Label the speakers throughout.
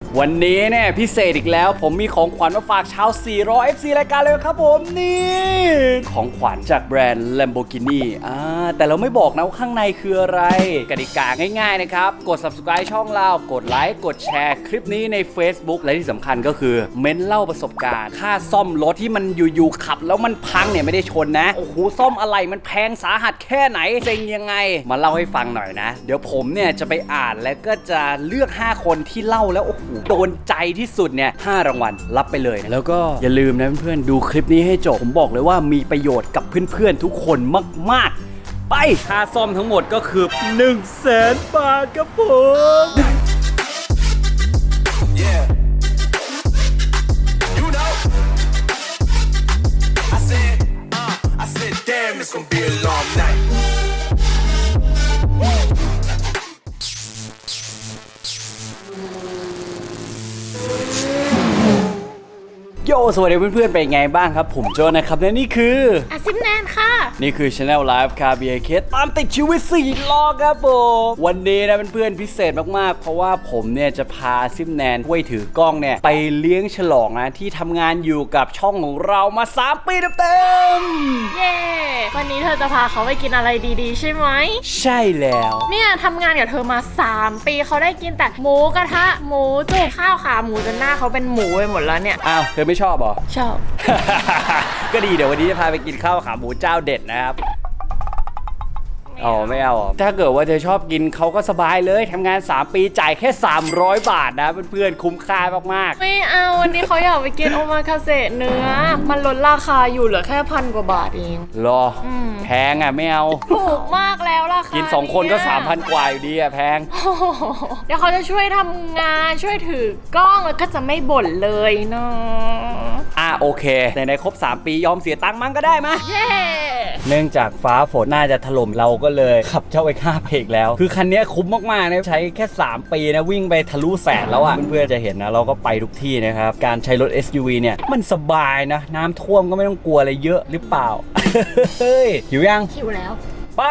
Speaker 1: วันนี้เนี่ยพิเศษอีกแล้วผมมีของขวัญมาฝากชาว400 FC รายการเลยครับผมนี่ของขวัญจากแบรนด์ Lamborghini แต่เราไม่บอกนะว่าข้างในคืออะไรกติกาง่ายๆนะครับกด subscribe ช่องเรากดไลค์กดแชร์คลิปนี้ใน Facebook และที่สำคัญก็คือเม้นเล่าประสบการณ์ค่าซ่อมรถที่มันอยู่ๆขับแล้วมันพังเนี่ยไม่ได้ชนนะโอ้โหซ่อมอะไรมันแพงสาหัสแค่ไหนเซ็งยังไงมาเล่าให้ฟังหน่อยนะเดี๋ยวผมเนี่ยจะไปอ่านแล้วก็จะเลือก5คนที่เล่าแล้วโอ้โหโดนใจที่สุดเนี่ย5รางวัลรับไปเลยแล้วก็อย่าลืมนะเพื่อนๆดูคลิปนี้ให้จบผมบอกเลยว่ามีประโยชน์กับเพื่อนๆทุกคนมากๆไปค่าซ่อมทั้งหมดก็คือ 100,000 บาทครับผม
Speaker 2: Yeah. You know. I said, damn, it's gonna be a long night.
Speaker 1: โยสวัสดีเพื่อนๆเป็นไงบ้างครับผมโจนะครับและนี่คือ
Speaker 3: อาซิมแนนค่ะ
Speaker 1: นี่คือ Channel Live คาเบียเคสตามติดชีวิต4 ล้อครับผมวันนี้นะเพื่อนๆพิเศษมากๆเพราะว่าผมเนี่ยจะพาซิมแนนห้วยถือกล้องเนี่ยไปเลี้ยงฉลองนะที่ทำงานอยู่กับช่องของเรามา3 ปีเต็ม
Speaker 3: ๆเย้วันนี้เธอจะพาเขาไปกินอะไรดีๆใช่ไหม
Speaker 1: ใช่แล้ว
Speaker 3: เนี่ยทำงานกับเธอมา3 ปีเขาได้กินแต่หมูกระทะหมูจุ่มข้าวขาหมูจนหน้าเขาเป็นหมูไปหมดแล้วเนี่ย
Speaker 1: อ้าวเธอไม่ชอบเหรอ
Speaker 3: ชอบ
Speaker 1: ก็ดีเดี๋ยววันนี้จะพาไปกินข้าวขาหมูเจ้าเด็ดนะครับอ๋อไม่เอาถ้าเกิดว่าเธอชอบกินเขาก็สบายเลยทำงาน3 ปีจ่ายแค่300 บาทนะเพื่อนๆคุ้มค่ามาก
Speaker 3: ๆไม่เอาวันนี้เขาอยากไปกินโอมาคาเสะเนื้อมันลดราคาอยู่เหลือแค่1,000 กว่าบาทเอง
Speaker 1: รอแพงอ่ะไม่เอา
Speaker 3: ถูกมากแล้วราคา
Speaker 1: กิน2 คนก็ 3,000 กว่าอยู่ดีอ่ะแพง
Speaker 3: เดี๋ยวเขาจะช่วยทำงานช่วยถือกล้องแล้วก็จะไม่บ่นเลยเนาะ
Speaker 1: โอเคในครบ3 ปียอมเสียตังค์มั้งก็ได้มะ
Speaker 3: เย้
Speaker 1: เนื่องจากฟ้าฝนน่าจะถล่มเราก็เลยขับเจ้าไอ้ข้าไปอีกแล้วคือคันนี้คุ้มมากๆนะใช้แค่3 ปีนะวิ่งไปทะลุแสนแล้วอ่ะเพื่อนๆจะเห็นนะเราก็ไปทุกที่นะครับการใช้รถ SUV เนี่ยมันสบายนะน้ำท่วมก็ไม่ต้องกลัวอะไรเยอะหรือเปล่า เฮ้ยหิวยัง
Speaker 3: หิวแล้ว
Speaker 1: ไป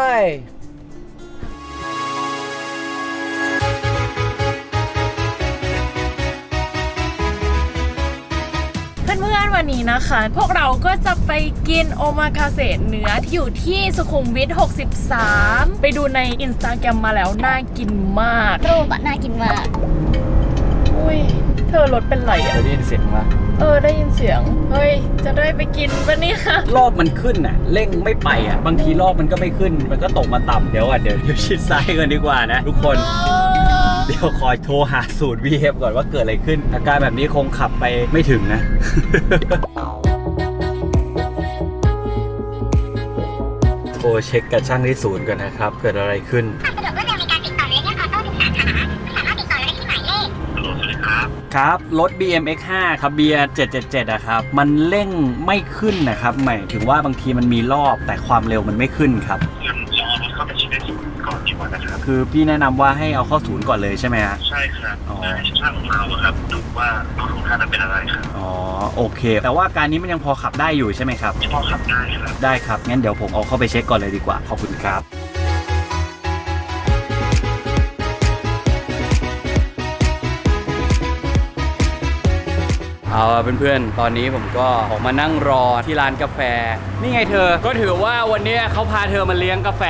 Speaker 3: เพื่อนๆวันนี้นะคะพวกเราก็จะไปกินโอมาคาเสะเนื้อที่อยู่ที่สุขุมวิท63ไปดูใน Instagram มาแล้วน่ากินมาก
Speaker 4: รูปน่ากินมาก
Speaker 3: อุ้ยเธอรถเป็นไรอ่ะ
Speaker 1: ได้ยินเสียงปะ
Speaker 3: ได้ยินเสียงเฮ้ยจะได้ไปกินปะเนี่ย
Speaker 1: รอบมันขึ้นน่ะเร่งไม่ไปอ่ะบางทีรอบมันก็ไม่ขึ้นมันก็ตกมาต่ำเดี๋ยวชิดซ้ายกันดีกว่านะทุกคนเดี๋ยวคอยโทรหาศูนย์ VF ก่อนว่าเกิดอะไรขึ้นอาการแบบนี้คงขับไปไม่ถึงนะ โทรเช็คกับช่างที่ศูนย์กันนะครับเกิดอะไรขึ้นครับรถ BMX5 ครับเบียร์777อะครับมันเร่งไม่ขึ้นนะครับหมายถึงว่าบางทีมันมีรอบแต่ความเร็วมันไม่ขึ้นครับ
Speaker 5: เราเอารถเข้าไปเช็คในศูนย์ก่อนดีกว่านะครับ
Speaker 1: คือพี่แนะนำว่าให้เอาเข้าศูนย์ก่อนเลยใช่ไหมฮะ
Speaker 5: ใช่ครับให้ช่างของเราครับดูว่ารถของท่านนั้นเป็นอะไรครับ
Speaker 1: อ๋อโอเคแต่ว่าการนี้มันยังพอขับได้อยู่ใช่ไหมครับ
Speaker 5: พอขับได้ครับ
Speaker 1: ได้ครับงั้นเดี๋ยวผมเอาเข้าไปเช็คก่อนเลยดีกว่าขอบคุณครับเอาเพื่อนๆตอนนี้ผมก็ออกมานั่งรอที่ร้านกาแฟนี่ไงเธอก็ถือว่าวันนี้เขาพาเธอมาเลี้ยงกาแฟ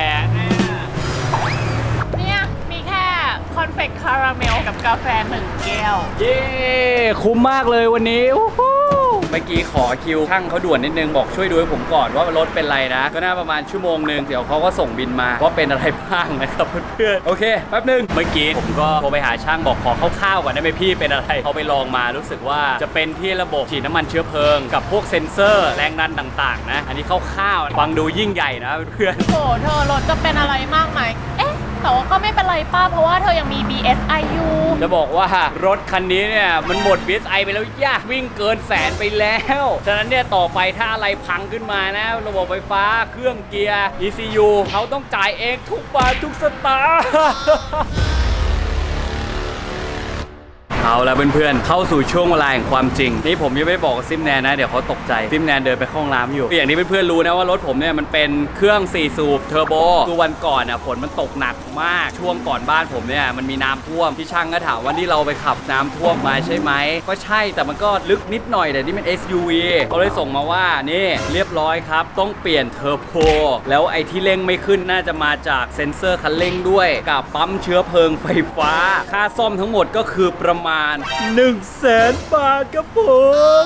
Speaker 3: เนี่ยมีแค่คอนเฟกคาราเมลกับกาแฟ1 แก้ว
Speaker 1: เย้คุ้มมากเลยวันนี้เมื่อกี้ขอคิวช่างเขาด่วนนิดนึงบอกช่วยดูให้ผมก่อนว่ารถเป็นไรนะก็น่าประมาณชั่วโมงนึงเดี๋ยวเขาก็ส่งบินมาว่าเป็นอะไรบ้างนะครับเพื่อนๆโอเคแป๊บนึงเมื่อกี้ผมก็โทรไปหาช่างบอกขอคร่าวๆก่อนได้ไหมพี่เป็นอะไรเขาไปลองมารู้สึกว่าจะเป็นที่ระบบฉีดน้ำมันเชื้อเพลิงกับพวกเซ็นเซอร์แรงดันต่างๆนะอันนี้คร่าวๆฟังดูยิ่งใหญ่นะเพื่อน
Speaker 3: ๆโอ้เธอรถจะเป็นอะไรมากไหมแต่ว่าก็ไม่เป็นไรป้าเพราะว่าเธอยังมี BSI อยู่
Speaker 1: จะบอกว่ารถคันนี้เนี่ยมันหมด BSI ไปแล้วยากวิ่งเกินแสนไปแล้วฉะนั้นเนี่ยต่อไปถ้าอะไรพังขึ้นมานะระบบไฟฟ้าเครื่องเกียร์ ECU เขาต้องจ่ายเองทุกบาททุกสตางค์เอาละเพื่อนๆเข้าสู่ช่วงเวลาแห่งความจริงนี่ผมยังไม่ได้บอกกับซิมแนนนะเดี๋ยวเขาตกใจซิมแนนเดินไปเข้าห้องน้ำอยู่อย่างที่เพื่อนๆรู้นะว่ารถผมเนี่ยมันเป็นเครื่อง4สูบเทอร์โบคือวันก่อนอ่ะฝนมันตกหนักมากช่วงก่อนบ้านผมเนี่ยมันมีน้ำท่วมที่ช่างก็ถามว่าที่เราไปขับน้ำท่วมมาใช่ไหมก็ใช่แต่มันก็ลึกนิดหน่อยแต่นี่มัน SUV เขาเลยส่งมาว่านี่เรียบร้อยครับต้องเปลี่ยนเทอร์โบแล้วไอ้ที่เร่งไม่ขึ้นน่าจะมาจากเซ็นเซอร์คันเร่งด้วยกับปั๊มเชื้อเพลิงไฟฟ้าค่าซ่อมทั้งหมดก็คือประมาณ 100,000 บาทครับผม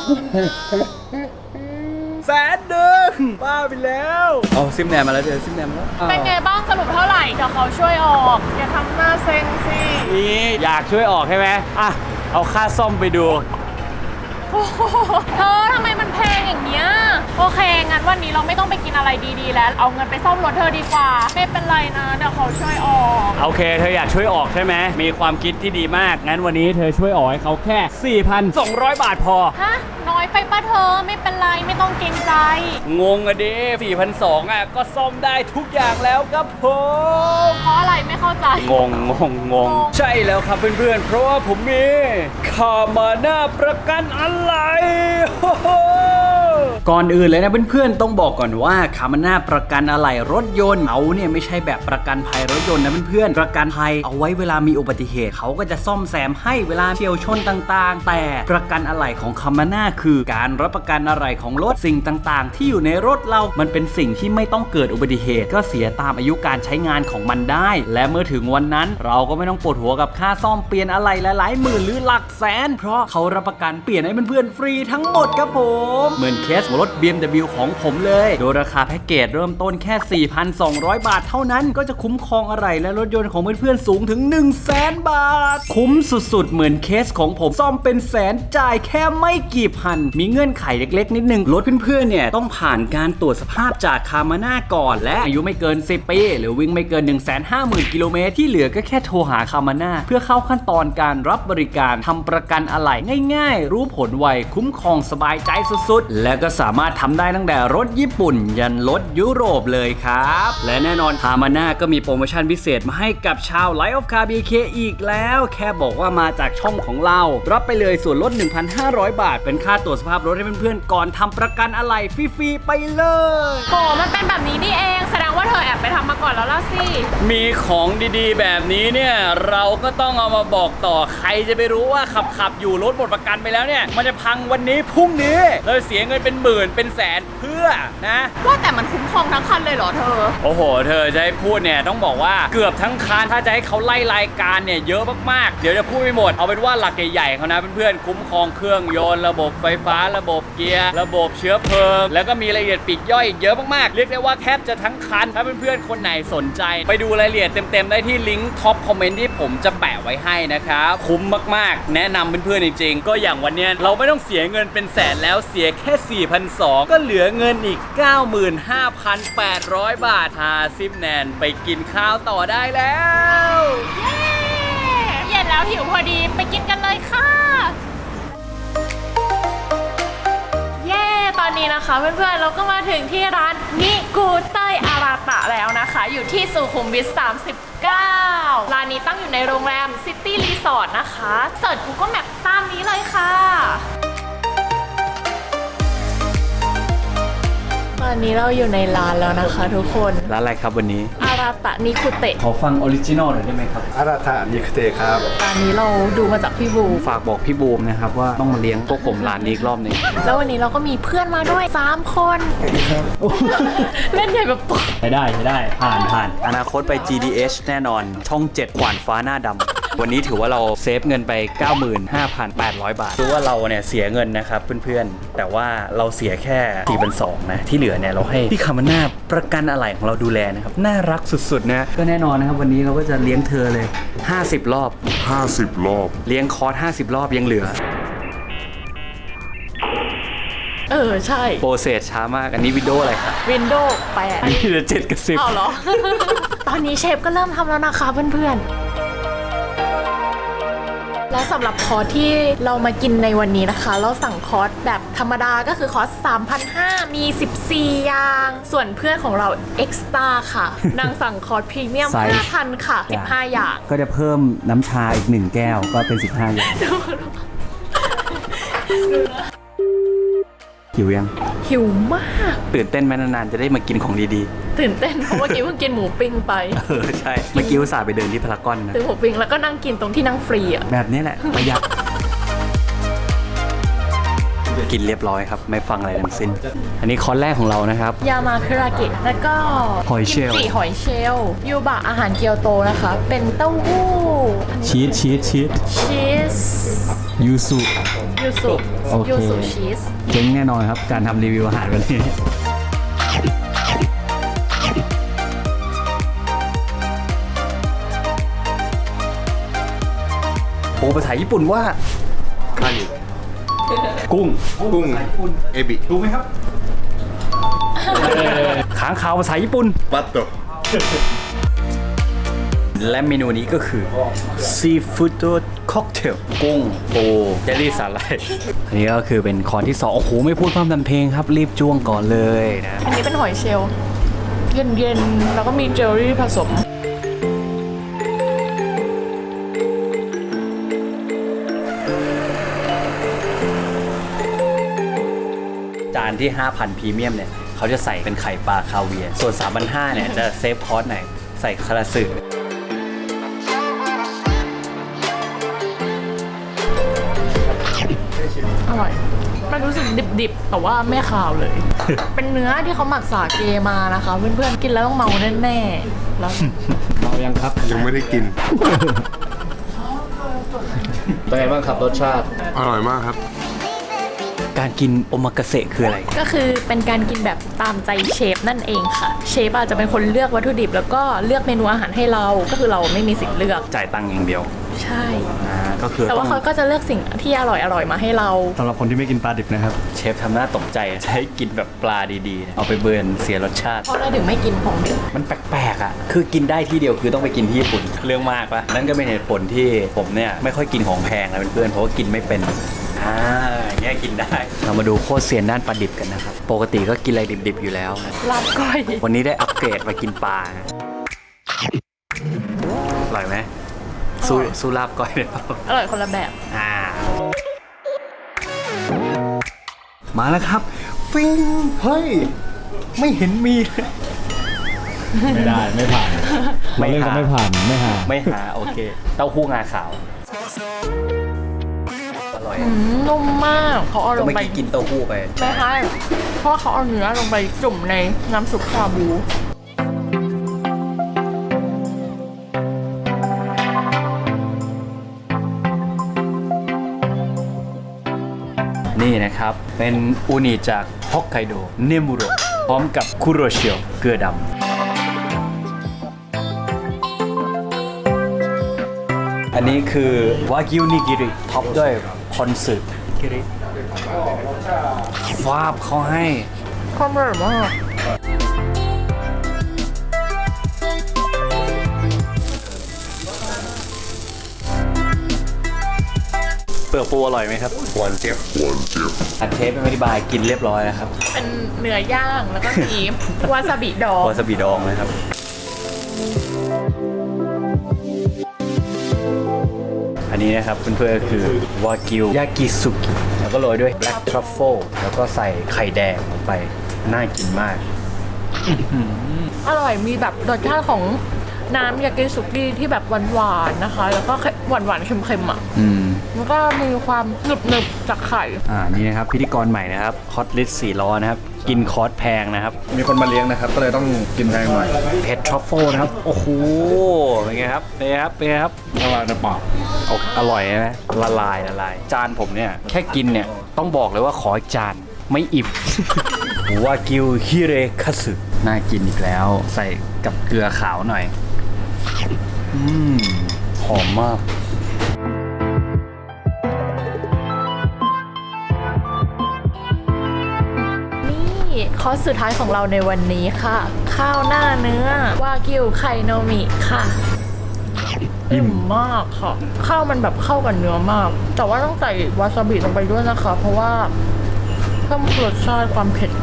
Speaker 1: 100,000บ้าไปแล้วเอาซิมแนมมาแล้วเดี๋ยวซิมแนมมาแล้ว
Speaker 3: เป็นไงบ้างสรุปเท่าไหร่เดี๋ยวเขาช่วยออกอย่าทำหน้าเซ็งสิ
Speaker 1: นี่อยากช่วยออกใช่ไหมอ่ะเอาค่าซ่อมไปดู
Speaker 3: โอ้โหเธอทำไมมันแพงอย่างเงี้ยโอเคงั้นวันนี้เราไม่ต้องไปกินอะไรดีๆแล้วเอาเงินไปซ่อมรถเธอดีกว่าไม่เป็นไรนะเดี๋ยวเขาช่วยออก
Speaker 1: โอเคเธออยากช่วยออกใช่ไหมมีความคิดที่ดีมากงั้นวันนี้เธอช่วยออกให้เขาแค่ 4,200 บาทพอ
Speaker 3: ฮะน้อยไปปะเธอไม่เป็นไรไม่ต้องเกรงใจ
Speaker 1: งงอะดิ4,200อ่ะก็ซ่อมได้ทุกอย่างแล้วครับผม
Speaker 3: เพราะอะไรไม่เข้าใจ
Speaker 1: งงใช่แล้วครับเพื่อนๆเพราะว่าผมมีคามาน่าประกันอะไรก่อนอื่นเลยนะเพื่อนๆต้องบอกก่อนว่าคามาน่าประกันอะไรรถยนต์เขาเนี่ยไม่ใช่แบบประกันภัยรถยนต์นะเพื่อนๆประกันภัยเอาไว้เวลามีอุบัติเหตุเขาก็จะซ่อมแซมให้เวลาเฉี่ยวชนต่างๆแต่ประกันอะไรของคามาน่าคือการรับประกันอะไรของรถสิ่งต่างๆที่อยู่ในรถเรามันเป็นสิ่งที่ไม่ต้องเกิดอุบัติเหตุก็เสียตามอายุการใช้งานของมันได้และเมื่อถึงวันนั้นเราก็ไม่ต้องปวดหัวกับค่าซ่อมเปลี่ยนอะไรหลายๆหมื่นหรือหลักแสนเพราะเขารับประกันเปลี่ยนให้เพื่อนๆฟรีทั้งหมดครับผมเหมือนเคสรถ BMW ของผมเลยโดยราคาแพ็กเกจเริ่มต้นแค่ 4,200 บาทเท่านั้นก็จะคุ้มครองอะไรและรถยนต์ของเพื่อนๆสูงถึง 100,000 บาทคุ้มสุดๆเหมือนเคสของผมซ่อมเป็นแสนจ่ายแค่ไม่กี่พันมีเงื่อนไขเล็กๆนิดนึงรถเพื่อนๆเนี่ยต้องผ่านการตรวจสภาพจากคามาน่าก่อนและอายุไม่เกิน10ปีหรือวิ่งไม่เกิน 150,000 กิโลเมตรที่เหลือก็แค่โทรหาคามาน่าเพื่อเข้าขั้นตอนการรับบริการทำประกันอะไหล่ง่ายๆรู้ผลไวคุ้มครองสบายใจสุดๆและก็สามารถทำได้ตั้งแต่รถญี่ปุ่นยันรถยุโรปเลยครับและแน่นอนคามาน่าก็มีโปรโมชั่นพิเศษมาให้กับชาว Life of Car BK อีกแล้วแค่บอกว่ามาจากช่องของเรารับไปเลยส่วนลด 1,500 บาทเป็นค่าตรวจสภาพรถให้เพื่อนๆก่อนทำประกันอะไหล่ฟรีๆไปเลย
Speaker 3: โอ้มันเป็นแบบนี้นี่เองแสดงว่าเธอแอบไปทำมาก่อนแล้วล่ะสิ
Speaker 1: มีของดีๆแบบนี้เนี่ยเราก็ต้องเอามาบอกต่อใครจะไปรู้ว่าขับอยู่รถหมดประกันไปแล้วเนี่ยมันจะพังวันนี้พรุ่งนี้เราเสียเงินเป็นหมื่นเป็นแสนเพื่อนะ
Speaker 3: ว่าแต่มันคุ้มครองทั้งคันเลยเหรอเธอ
Speaker 1: โอ้โหเธอจะให้พูดเนี่ยต้องบอกว่าเกือบทั้งคันถ้าจะให้เขาไล่รายการเนี่ยเยอะมากๆเดี๋ยวจะพูดไม่หมดเอาเป็นว่าหลักใหญ่ๆเขานะเพื่อนๆคุ้มครองเครื่องยนต์ระบบไฟฟ้าระบบเกียร์ระบบเชื้อเพลิงแล้วก็มีรายละเอียดปลีกย่อยอีกเยอะมากๆเรียกได้ว่าแทบจะทั้งคันถ้าเพื่อนๆคนไหนสนใจไปดูรายละเอียดเต็มๆได้ที่ลิงก์ท็อปคอมเมนต์ที่ผมจะแปะไว้ให้นะครับคุ้มมากๆแนะนำเพื่อนๆจริงๆก็อย่างวันเนี้ยเราไม่ต้องเสียเงินเป็นแสนแล้วเสียแค่ 4,200 ก็เหลือเงินอีก 95,800 บาทพาซิมแนนไปกินข้าวต่อได้แล้ว
Speaker 3: เย็นแล้วหิวพอดีไปกินกันเลยค่ะ เย้ตอนนี้นะคะเพื่อนๆเราก็มาถึงที่ร้านนิกูเต้ยอาราตะแล้วนะคะอยู่ที่สุขุมวิท 39 ร้านนี้ตั้งอยู่ในโรงแรมซิตี้รีสอร์ทนะคะเสิร์ช Google Map ตามนี้เลยค่ะตอนนี้เราอยู่ในร้านแล้วนะคะทุกคน
Speaker 1: ร้านอะไรครับวันนี้
Speaker 3: อาราตะนิคุเตะ
Speaker 1: ขอฟังออริจินอลหน่อยได้ไหมครับ
Speaker 4: อาราธานิคเตครับ
Speaker 3: ร้านนี้เราดูมาจากพี่บู
Speaker 1: ฝากบอกพี่บูมนะครับว่าต้องมาเลี้ยงพวกผมร้านนี้อีกรอบหนึ่ง
Speaker 3: แล้ววันนี้เราก็มีเพื่อนมาด้วย 3 คน เล่นใหญ่แบบปุ๊บ
Speaker 1: ใช้ได้ผ่านอนาคตไป GDH แน่นอนช่อง 7 ขวานฟ้าหน้าดำวันนี้ถือว่าเราเซฟเงินไป 95,800 บาทคือว่าเราเนี่ยเสียเงินนะครับเพื่อนๆแต่ว่าเราเสียแค่ 4,200 นะที่เหลือเนี่ยเราให้พี่คามาน่าประกันอะไหล่ของเราดูแลนะครับน่ารักสุดๆนะก็แน่นอนนะครับวันนี้เราก็จะเลี้ยงเธอเลย 50 รอบ
Speaker 4: 50 รอบ
Speaker 1: เลี้ยงคอร์ส50 รอบยังเหลือ
Speaker 3: ใช่
Speaker 1: โปรเซสช้ามากอันนี้วิดีโออะไรครับ
Speaker 3: Windows 8
Speaker 1: อันนี้จะ7 กับ 10
Speaker 3: เอาเหรอ ตอนนี้เชฟก็เริ่มทำแล้วนะคะเพื่อนๆ แและสำหรับคอร์สที่เรามากินในวันนี้นะคะ เราสั่งคอร์สแบบธรรมดาก็คือคอร์ส 3,500 มี 14 อย่าง ส่วนเพื่อนของเราเอ็กซ์ตร้าค่ะ นางสั่งคอร์สพรีเมียม 5,000 ค่ะ 15 อย่าง
Speaker 1: ก็จะเพิ่มน้ำชาอีก1แก้วก็เป็น15อย่างหิวยัง
Speaker 3: หิวมาก
Speaker 1: ตื่นเต้นไหมนานๆจะได้มากินของดี
Speaker 3: ตื่นเต้นเพราะเมื่อกี้เพิ่งกินหมูปิ้งไป
Speaker 1: ๆใช่เมื่อกี้อุตส่าห์ไปเดินที่พารากอนนะ
Speaker 3: ซื้อหมูปิ้งแล้วก็นั่งกินตรงที่นั่งฟรีอ่ะ
Speaker 1: แบบนี้แหละประหยัดกินเรียบร้อยครับ ไม่ฟังอะไรทั้งสิ้น อันนี้คอร์สแรกของเรานะครับ
Speaker 3: ยามาคุราเกะแล้วก็
Speaker 1: หอยเชลล์
Speaker 3: กิมจิหอยเชลล์ยูบะอาหารเกียวโตนะคะ เป็นเต้าหู้
Speaker 1: ชีส
Speaker 3: ชีส
Speaker 1: ยูสุ
Speaker 3: ยูสุ
Speaker 1: โอเค
Speaker 3: ยูสุชีส
Speaker 1: เจ๊งแน่นอนครับ การทำรีวิวอาหารวันนี้โอ้ภาษาญี่ปุ่นว่า
Speaker 4: คานิ
Speaker 1: กุ้ง
Speaker 4: กุ้ง เอบิ
Speaker 1: รู้ไหมครับ ค้างคาวภาษาญี่ปุ่น
Speaker 4: ปัตโต
Speaker 1: และเมนูนี้ก็คือซีฟู้ดค็อกเทลกุ้งปูเจลลี่สาหร่ายอันนี้ก็คือเป็นคอร์สที่2โอ้โห ไม่พูดพร่ำทำเพลงครับ รีบจ้วงก่อนเลยนะ
Speaker 3: อันนี้เป็นหอยเชลล์เย็นๆ แล้วก็มีเจลลี่ผสม
Speaker 1: จานที่ 5,000 พรีเมียมเนี่ย เขาจะใส่เป็นไข่ปลาคาเวียร์ส่วน 3,500 เนี่ย จะเซฟคอร์สไหน ใส่คาราสึ
Speaker 3: อร่อย มันรู้สึกดิบๆ แต่ว่าไม่คาวเลย เป็นเนื้อที่เขาหมักสาเกมานะคะ เพื่อนๆ กินแล้วต้องเมาแน่ๆ แล้ว
Speaker 1: เรายังครับ
Speaker 4: ยังไม่ได้กิน
Speaker 1: เป็นไงบ้างครับรสชาติ
Speaker 4: อร่อยมากครับ
Speaker 1: การกินโอมากาเสะคืออะไร
Speaker 3: ก็คือเป็นการกินแบบตามใจเชฟนั่นเองค่ะ เชฟอาจจะเป็นคนเลือกวัตถุดิบ แล้วก็เลือกเมนูอาหารให้เรา ก็คือเราไม่มีสิทธิ์เลือก
Speaker 1: จ่ายตังค์อย่างเดียว
Speaker 3: ใช่
Speaker 1: ก็คือ
Speaker 3: แต่ว่า
Speaker 1: ต้อง
Speaker 3: เขาก็จะเลือกสิ่งที่อร่อยๆ มาให้เรา
Speaker 1: สำหรับคนที่ไม่กินปลาดิบนะครับ เชฟทำหน้าตกใจใช้กินแบบปลาดีๆ เอาไปเบิร์นเสียรสชาติ
Speaker 3: เพราะอะไรถึงไม่กินของดิบ
Speaker 1: มันแปลกๆอ่ะ คือกินได้ที่เดียวคือต้องไปกินที่ญี่ปุ่น เรื่องมากปะนั่นก็เป็นเหตุผลที่ผมเนี่ยไม่ค่อยกินของแพงนะเพื่อนๆ เพราะว่ากินไม่เป็นอย่างเงี้ยกินได้ เรามาดูโคตรเซียนด้านปลาดิบกันนะครับ ปกติก็กินอะไรดิบๆอยู่แล้วนะ
Speaker 3: ลาบก้อย
Speaker 1: วันนี้ได้อัปเกรดมากินปลานะอร่อยไหมสู้ลาบก้อยได้เปล่า
Speaker 3: อร่อยคนละแบบ
Speaker 1: มาแล้วครับ ฟิงเฮ้ย ไม่เห็นมีเลย
Speaker 6: ไม่ได้ไม่ผ่านเราเล่นก็ไม่ผ่านไม่หา
Speaker 1: ไม่หาโอเค เต้าหู้งาขาว อร่อย
Speaker 3: นุ่มมากเขาเอาล
Speaker 1: ก็
Speaker 3: ง
Speaker 1: เมื่อ
Speaker 3: ไป
Speaker 1: กี้กินเต้าหู้ไป
Speaker 3: ไม่ใช่เพราะว่าเขาเอาเนื้อลงไปจุ่มในน้ำซุปชาบู
Speaker 1: นี่นะครับ เป็นอูนิจากฮอกไกโดเนมุโรพร้อมกับคุโรเชียวเกลือดำอันนี้คือวากิวนิกิริท็อปด้วยคอนสึกิริฟาบเขาให้
Speaker 3: ข้าวอร่อยมาก
Speaker 1: เปลือกปูอร่อยไหมครับ
Speaker 4: หวานเจี๊ยบ
Speaker 1: อันเทปเป็นอธิบายกินเรียบร้อยแล้วครับ
Speaker 3: เป็นเนื้อย่างแล้วก็มี วาซาบิดอง
Speaker 1: วาซาบิดองนะครับ อันนี้นะครับเพื่อนๆก็คือวากิวยากิสุกิแล้วก็โรยด้วย black truffle แล้วก็ใส่ไข่แดงลงไป น่ากินมาก
Speaker 3: อร่อยมีแบบรสชาติของน้ำยากิสุกิที่แบบหวานๆนะคะ แล้วก็หวานๆเค็มๆอ่ะ แล้วก็มีความหนึบๆจากไข่
Speaker 1: นี่นะครับพิธีกรใหม่นะครับฮอตลิสต์4ล้อนะครับ กินคอร์สแพงนะครับ
Speaker 4: มีคนมาเลี้ยงนะครับ ก็เลยต้องกินแพงหน่อย
Speaker 1: เผ็ดทรัฟเฟิลนะครับ โอ้โห เป็นไงครับ เป็นไงครับ เป็นไงครับ
Speaker 4: ละลายในปาก
Speaker 1: อร่อยนะละลายละลาย จานผมเนี่ย แค่กินเนี่ย ต้องบอกเลยว่าขออีกจานไม่อิ่ม วากิวฮิเรคัสึน่ากินอีกแล้ว ใส่กับเกลือขาวหน่อย หอมมาก
Speaker 3: นี่คอร์สสุดท้ายของเราในวันนี้ค่ะ ข้าวหน้าเนื้อวากิวไข่โนมิค่ะอิ่มมากค่ะ ข้าวมันแบบเข้ากับเนื้อมาก แต่ว่าต้องใส่วาซาบิลงไปด้วยนะคะ เพราะว่าเพิ่มรสชาติความเผ็ด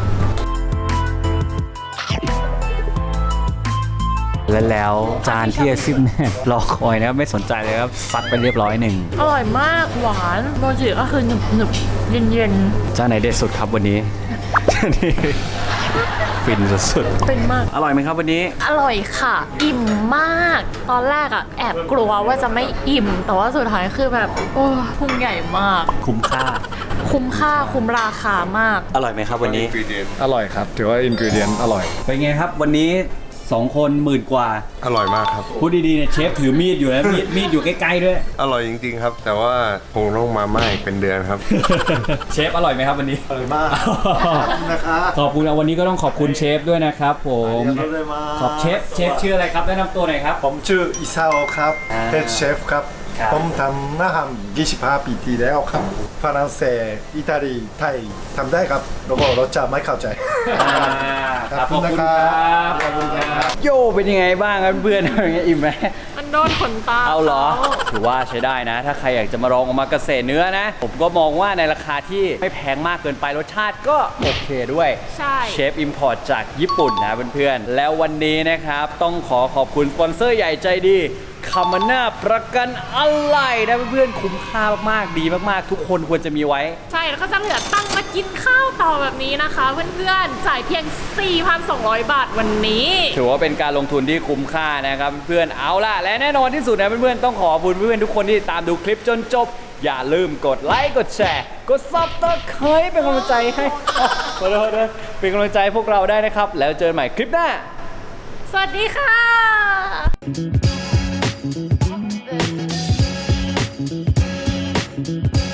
Speaker 1: แล้วจานที่อาซิมเนี่ยรอคอยนะครับไม่สนใจเลยครับซัดไปเรียบร้อยหนึ่ง
Speaker 3: อร่อยมากหวานโมจิก็คือหนึบหนึบๆเย็นเย็น
Speaker 1: จานไหนเด็ดสุดครับวันนี้ นี่ฟินสุด
Speaker 3: ๆเป็นมาก
Speaker 1: ๆอร่อยไหมครับวันนี้
Speaker 3: อร่อยค่ะ อิ่มมาก ตอนแรกอะแอบกลัวว่าจะไม่อิ่ม แต่ว่าสุดท้ายคือแบบโอ้พุงใหญ่มาก
Speaker 1: คุ้มค่า
Speaker 3: คุ้มค่าคุ้มราคามาก
Speaker 1: อร่อยไหมครับวันนี้
Speaker 4: อร่อยครับ ถือว่าอินกิวเดียนอร่อย
Speaker 1: เป็นไงครับวันนี้ 2 คนหมื่นกว่า
Speaker 4: อร่อยมากครับ
Speaker 1: พูดดีๆเนี่ยเชฟถือมีดอยู่นะมีดอยู่ใกล้ๆด้วย
Speaker 4: อร่อยจริงๆครับ แต่ว่าคงต้องมาม่าอีกเป็นเดือนครับ
Speaker 1: เชฟอร่อยไหมครับวันนี้
Speaker 7: อร่อยมากนะครับ
Speaker 1: ขอบคุณนะวันนี้ก็ต้องขอบคุณเชฟด้วยนะครับผม
Speaker 7: ありがとうございます
Speaker 1: ขอบเชฟชื่ออะไรครับแนะนำตัวหน่อยครับ
Speaker 7: ผมชื่ออิซาโอครับ
Speaker 1: อ่า
Speaker 7: เฮดเชฟครับ
Speaker 1: ครับ
Speaker 7: ผมทำอาหาร25 ปีที่แล้วครับฝรั่งเศสอิตาลีไทยทำได้ครับแล้วก็รสชาติไม่เข้าใจ
Speaker 1: ครับ
Speaker 7: ขอบคุณนะครับ
Speaker 1: โยเป็นยังไงบ้างครับเพื่อนๆอย่างเงี้ยอิ่มไหม
Speaker 3: มันโดนขนตา
Speaker 1: เอาเหรอ ถือว่าใช้ได้นะ ถ้าใครอยากจะมาลองมาเกษตรเนื้อนะ ผมก็มองว่าในราคาที่ไม่แพงมากเกินไปรสชาติก็โอเคด้วย
Speaker 3: ใช่
Speaker 1: เชฟอิมพอร์ตจากญี่ปุ่นนะเพื่อนๆ แล้ววันนี้นะครับต้องขอขอบคุณสปอนเซอร์ใหญ่ใจดีคามาน่าประกันอะไหล่นะเพื่อนๆ คุ้มค่ามากๆ ดีมากๆ ทุกคนควรจะมีไว้
Speaker 3: ใช่แล้วก็จะเหลือตังค์มากินข้าวต่อแบบนี้นะคะ เพื่อนๆ จ่ายเพียง 4,200 บาทวันนี้
Speaker 1: ถือว่าเป็นการลงทุนที่คุ้มค่านะครับเพื่อนๆ เอาล่ะ และแน่นอนที่สุดนะเพื่อนๆ ต้องขอบคุณเพื่อนๆ ทุกคนที่ตามดูคลิปจนจบ อย่าลืมกดไลค์ กดแชร์ กดซับสไครป์เป็นกำลังใจให้ขอโทษนะเป็นกำลังใจให้พวกเราได้นะครับ แล้วเจอกันใหม่คลิปหน้า
Speaker 3: สวัสดีค่ะ